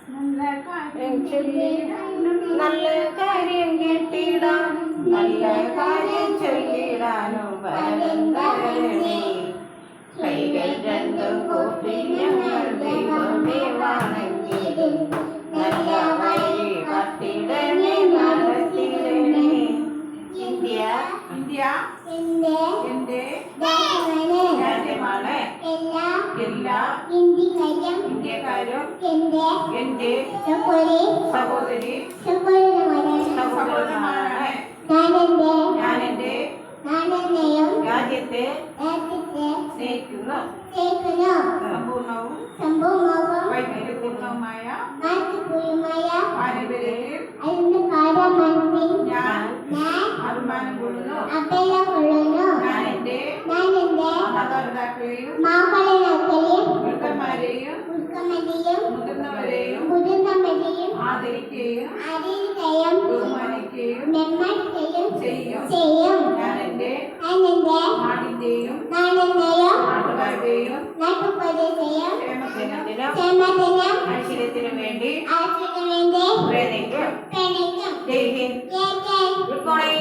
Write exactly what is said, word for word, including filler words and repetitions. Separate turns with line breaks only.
നല്ല കാര്യം കേട്ടിടാൻ നല്ല കാര്യം ചൊല്ലിടാനും വരം തരണേ. കൈകൾ രണ്ടും കൂപ്പി ഞങ്ങൾ ദൈവമേ വണങ്ങിടും. നല്ല വഴി കാട്ടിടണേ നടത്തിടണേ. ഇന്ത്യ ഇന്ത്യ എന്റെ രാജ്യമാണ്. എല്ലാ ഇന്ത്യക്കാരും എന്റെ സഹോദരി സഹോദരന്മാരാണ്. ഞാനെന്റെ രാജ്യത്തെ സ്നേഹിക്കുന്നു. സമ്പൂർണവും വൈവിധ്യപൂർണവുമായ പാരമ്പര്യത്തിൽ ഞാൻ അഭിമാനം കൊള്ളുന്നു. ഞാൻ എന്റെ മാതാപിതാക്കളെയും വൃദ്ധന്മാരെയും മുതിർന്നവരെയും ആദരിക്കുകയും ബഹുമാനിക്കുകയും ചെയ്യും. ഞാൻ എന്റെ നാടിന്റെയും നാട്ടുകാരുടെയും ക്ഷേമത്തിനും ഐശ്വര്യത്തിനും വേണ്ടി പ്രയത്നിക്കും. ജയ് ഹിന്ദ്. Good morning.